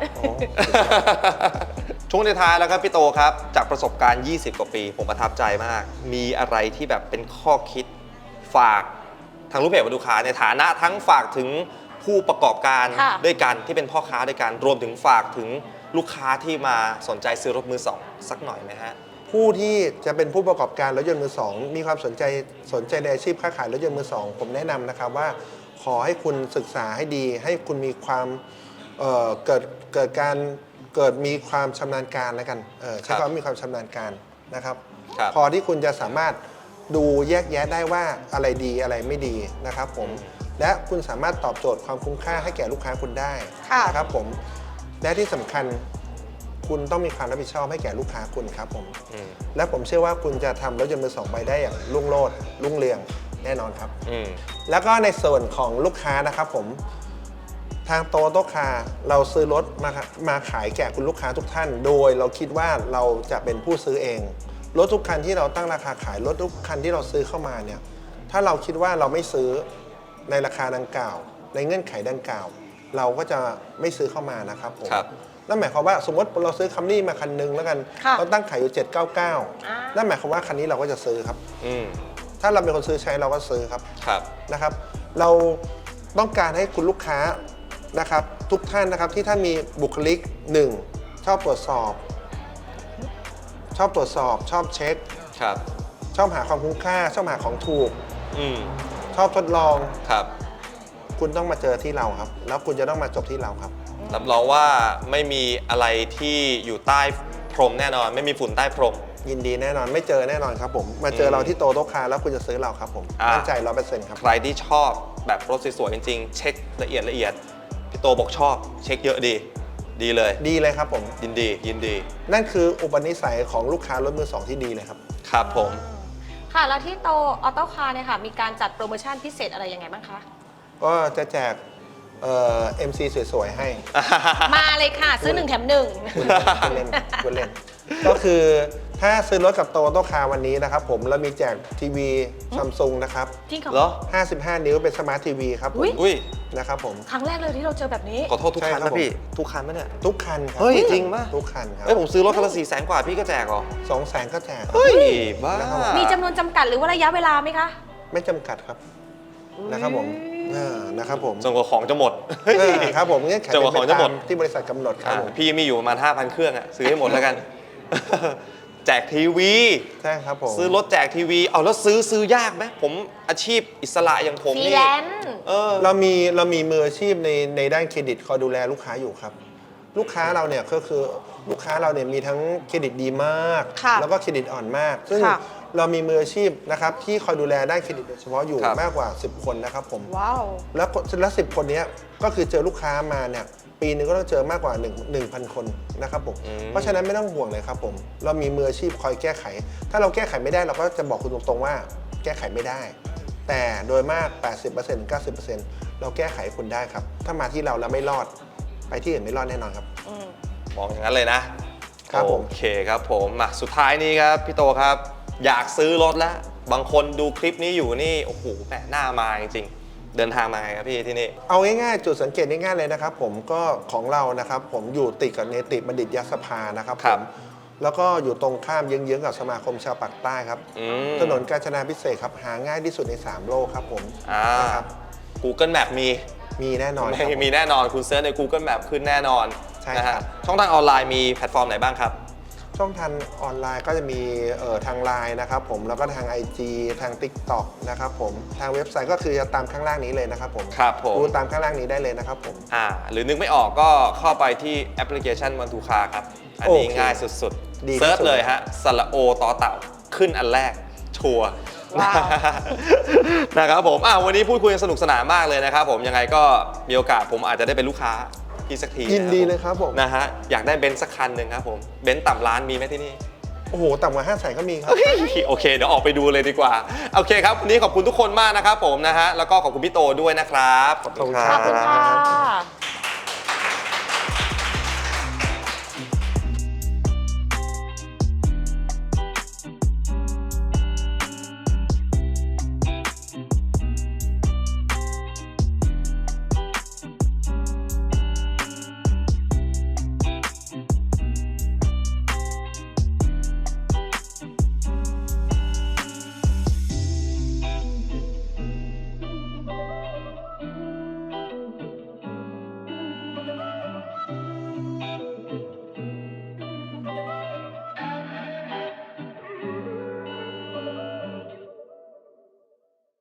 [SPEAKER 3] ช่วงท้ายๆแล้วครับพี่โตครับ จากประสบการณ์ ยี่สิบ กว่าปี ผมประทับใจมาก มีอะไรที่แบบเป็นข้อคิดฝากทางรูปเพจวัตถุค้าในฐานะทั้งฝากถึงผู้ประกอบการ
[SPEAKER 2] ค่ะ
[SPEAKER 3] ด้วยกันที่เป็นพ่อค้าด้วยกัน รวมถึงฝากถึงลูกค้าที่มาสนใจซื้อรถมือสองสักหน่อยไหมฮะ
[SPEAKER 1] ผู้ที่จะเป็นผู้ประกอบการรถยนต์มือสองมีความสนใจสนใจในอาชีพค้าขายรถยนต์มือสองผมแนะนำนะครับว่าขอให้คุณศึกษาให้ดี ให้คุณมีความเอ่อเกิดเกิดการเกิดมีความชำนาญการแล้วกันเออใช้
[SPEAKER 3] ครับ
[SPEAKER 1] คำว่ามีความชำนาญการนะครับ
[SPEAKER 3] ครับ
[SPEAKER 1] พอที่คุณจะสามารถดูแยกแยะได้ว่าอะไรดีอะไรไม่ดีนะครับผมและคุณสามารถตอบโจทย์ความคุ้มค่าให้แก่ลูกค้าคุณได้
[SPEAKER 2] ค่ะ
[SPEAKER 1] นะครับผมและที่สำคัญคุณต้องมีความรับผิดชอบให้แก่ลูกค้าคุณครับผม
[SPEAKER 3] อืม
[SPEAKER 1] และผมเชื่อว่าคุณจะทำรถยนต์มือสองไปได้อย่างรุ่งโรจน์รุ่งเรืองแน่นอนครับ
[SPEAKER 3] อืม
[SPEAKER 1] แล้วก็ในส่วนของลูกค้านะครับผมทางโตโตคาเราซื้อรถมามาขายแก่คุณลูกค้าทุกท่าน โดยเราคิดว่าเราจะเป็นผู้ซื้อเองรถทุกคันที่เราตั้งราคาขายรถทุกคันที่เราซื้อเข้ามาเนี่ยถ้าเราคิดว่าเราไม่ซื้อในราคาดังกล่าว ในเงื่อนไขดังกล่าว เราก็จะไม่ซื้อเข้ามานะครับผม
[SPEAKER 3] ครับ
[SPEAKER 1] นั่นหมายความว่าสมมติเราซื้อคัมรี่มาคันนึงแล้วกัน
[SPEAKER 2] ค่ะ
[SPEAKER 1] เราตั้งขายอยู่เจ็ดเก้าเก้า
[SPEAKER 2] อ่า
[SPEAKER 1] นั่นหมายความว่าคันนี้เราก็จะซื้อครับ
[SPEAKER 3] อืม
[SPEAKER 1] ถ้าเราเป็นคนซื้อใช้เราก็ซื้อครับ
[SPEAKER 3] ครับ
[SPEAKER 1] นะครับ เราต้องการให้คุณลูกค้านะครับทุกท่านนะครับที่ท่านมีบุคลิกหนึ่งชอบตรวจสอบ ชอบตรวจสอบ ชอบเช็ค
[SPEAKER 3] ครับ
[SPEAKER 1] ชอบหาความคุ้มค่า ชอบหาของถูก
[SPEAKER 3] อืม
[SPEAKER 1] ชอบทดลอง
[SPEAKER 3] ครับ
[SPEAKER 1] คุณต้องมาเจอที่เราครับ แล้วคุณจะต้องมาจบที่เราครับ
[SPEAKER 3] รับรองว่าไม่มีอะไรที่อยู่ใต้พรมแน่นอน ไม่มีฝุ่นใต้พรม
[SPEAKER 1] ยินดีแน่นอนไม่เจอแน่นอนครับผมมาเจอเราที่โตโต๊ะคาแล้วคุณจะซื้อเราครับผม
[SPEAKER 3] อ่ามั่
[SPEAKER 1] มั่นใจร้อยเปอร์เซ็นต์ครับ
[SPEAKER 3] ใครที่ชอบแบบรถสวยๆจริงๆ เช็คละเอียดละเอียด พี่โตบอกชอบ เช็คเยอะดี ดีเลย
[SPEAKER 1] ดีเลยครับผม
[SPEAKER 3] ยินดี ยินดี
[SPEAKER 1] นั่นคืออุปนิสัยของลูกค้ารถมือสองที่ดีเลยครับ
[SPEAKER 3] ครับผม
[SPEAKER 2] ค่ะ แล้วที่โตออโต้คาร์เนี่ยค่ะ มีการจัดโปรโมชั่นพิเศษอะไรยังไงบ้างคะ
[SPEAKER 1] ก็จะแจกเอ่อ เอ็ม ซี สวยๆให้
[SPEAKER 2] มาเลยค่ะ ซื้อหนึ่งแถมหนึ่ง
[SPEAKER 1] คุณเล่นคุณเล่น ก็คือถ้าซื้อรถกับโตโตคาวันนี้นะครับผมเรามีแจกทีวีซัมซุงนะครับ
[SPEAKER 2] จริงเหรอ
[SPEAKER 3] เหรอ
[SPEAKER 1] ห้าสิบห้า นิ้วเป็นสมาร์ททีวีครับผ
[SPEAKER 2] อุ๊
[SPEAKER 1] ม
[SPEAKER 2] ย
[SPEAKER 3] อุ้ย
[SPEAKER 1] นะครับผม
[SPEAKER 2] ครั้งแรกเลยที่เราเจอแบบนี้
[SPEAKER 3] ขอโทษทุกคัน
[SPEAKER 1] ใช่ครั
[SPEAKER 3] นะ
[SPEAKER 1] บ
[SPEAKER 3] พี่ ทุกคันไหมเนี่ย
[SPEAKER 1] ทุกคันครั
[SPEAKER 3] เฮ้ยจริงปะ
[SPEAKER 1] ทุกคันครับ
[SPEAKER 3] เฮ้ยผมซื้อรถคันละสี่แสนกว่าพี่ก็แจกเหรอ
[SPEAKER 1] สองแสนก็แจกครับ
[SPEAKER 3] เฮ้ย บ้า
[SPEAKER 1] แล้วก็
[SPEAKER 2] มีจำนวนจำกัดหรือว่าระยะเวลาไหมคะ
[SPEAKER 1] ไม่จำกัดครับนะครับผมเออนะครับผม
[SPEAKER 3] จนกว่าของจะหมด
[SPEAKER 1] เออครับผมเงื่อนไข
[SPEAKER 3] จนกว่าของจะหมด
[SPEAKER 1] เป็นไปตามที่บริษัทกำหนดครับ
[SPEAKER 3] อ่ะ
[SPEAKER 1] ผม
[SPEAKER 3] พี่มีอยู่ประมาณ ห้าพัน เครื่องอะซื้อให้หมดแล้วกัน แจกทีวี
[SPEAKER 1] ใช่ครับผม
[SPEAKER 3] ซื้อรถแจกทีวี เอาแล้วซื้อซื้อยากไหมผมอาชีพอิสระอย่างผม
[SPEAKER 2] ฟรี
[SPEAKER 3] นี่
[SPEAKER 2] แลนซ์
[SPEAKER 3] เออ
[SPEAKER 1] เรามีเรามีมืออาชีพในในด้านเครดิตคอยดูแลลูกค้าอยู่ครับ ลูกค้าเราเนี่ยก็คือลูกค้าเราเนี่ยมีทั้งเครดิตดีมาก
[SPEAKER 2] ค่ะ
[SPEAKER 1] แล้วก็เครดิตอ่อนมาก ซึ่ง
[SPEAKER 2] ค่ะ
[SPEAKER 1] เรามีมืออาชีพนะครับที่คอยดูแลด้านเครดิตโดยเฉพาะอยู่
[SPEAKER 3] ครับ
[SPEAKER 1] มากกว่า สิบ คนนะครับผม
[SPEAKER 2] ว้าว
[SPEAKER 1] แล้วก็แล้วสิบคนเนี้ยก็คือเจอลูกค้ามาเนี่ยปีหนึงก็ต้องเจอมากกว่า1 1,000 คนนะครับผม
[SPEAKER 3] อืม
[SPEAKER 1] เพราะฉะนั้นไม่ต้องห่วงเลยครับผมเรามีมืออาชีพคอยแก้ไข ถ้าเราแก้ไขไม่ได้เราก็จะบอกคุณตรงๆว่าแก้ไขไม่ได้ แต่โดยมาก แปดสิบเปอร์เซ็นต์ เก้าสิบเปอร์เซ็นต์ เราแก้ไขคุณได้ครับ ถ้ามาที่เราแล้วไม่รอดไปที่อื่นไม่รอดแน่นอนครับ
[SPEAKER 2] อืม
[SPEAKER 3] มองอย่างนั้นเลยนะครับ
[SPEAKER 1] ผม
[SPEAKER 3] โอเคครับผมมาสุดท้ายนี้ครับพี่โตครับ อยากซื้อรถแล้ว บางคนดูคลิปนี้อยู่นี่โอ้โหแหมหน้ามาจริงๆเดินทางมาไงครับพี่ที่นี่
[SPEAKER 1] เอาง่ายๆ จุดสังเกตง่ายๆเลยนะครับผมก็ของเรานะครับผมอยู่ติดกับเนติบัณฑิตยสภานะครับ
[SPEAKER 3] ค
[SPEAKER 1] ผ
[SPEAKER 3] รับ
[SPEAKER 1] มแล้วก็อยู่ตรงข้ามเยื้องๆกับสมาคมชาวปากใต้ครับ
[SPEAKER 3] อืม
[SPEAKER 1] ถนนกาญจนาพิเศษกครับหาง่ายที่สุดในสามโลกครับผม
[SPEAKER 3] อ่า
[SPEAKER 1] นะครับ
[SPEAKER 3] Google Map มี
[SPEAKER 1] มีแน่นอนครับ
[SPEAKER 3] ไม่มีแน่นอนคุณเซิร์ชใน Google Map ขึ้นแน่นอน
[SPEAKER 1] ใช่
[SPEAKER 3] นะ
[SPEAKER 1] ครั
[SPEAKER 3] ฮะ
[SPEAKER 1] บ
[SPEAKER 3] ช่องทางออนไลน์มีแพลตฟอร์มไหนบ้างครับ
[SPEAKER 1] ช่องทางออนไลน์ก็จะมีเอ่อทางไลน์นะครับผมแล้วก็ทาง ไอ จี ทาง TikTok นะครับผมทางเว็บไซต์ก็คือจะตามข้างล่างนี้เลยนะครับผม
[SPEAKER 3] ครับผม
[SPEAKER 1] ดูตามข้างล่างนี้ได้เลยนะครับผม
[SPEAKER 3] อ่าหรือนึกไม่ออกก็เข้าไปที่แอปพลิเคชันวันทูคาครับ อันนี้
[SPEAKER 1] โอเค
[SPEAKER 3] ง่ายสุด
[SPEAKER 1] ดีที่สุด
[SPEAKER 3] ๆเซิร์ชเลยฮะสระโอต่อเต่าขึ้นอันแรก ชัวร์
[SPEAKER 2] ว้าว
[SPEAKER 3] นะครับผมอ่ะวันนี้พูดคุยกันสนุกสนานมากเลยนะครับผมยังไงก็มีโอกาสผมอาจจะได้เป็นลูกค้าพี่สักที
[SPEAKER 1] ยินดี
[SPEAKER 3] ะ
[SPEAKER 1] เลยครับผม
[SPEAKER 3] นะฮะอยากได้เบนซ์สักคันหนึ่งครับผมเบนซ์ต่ำล้านมีไหมที่นี่
[SPEAKER 1] โอ้โหต่ำกว่าห้าแสนก็มีครับ
[SPEAKER 3] โอเค เดี๋ยวออกไปดูเลยดีกว่า โอเคครับ วันนี้ขอบคุณทุกคนมากนะครับผมนะฮะ แล้วก็ขอบคุณพี่โตด้วยนะครับ
[SPEAKER 1] ขอบคุณ
[SPEAKER 2] ขอบคุณค่ะ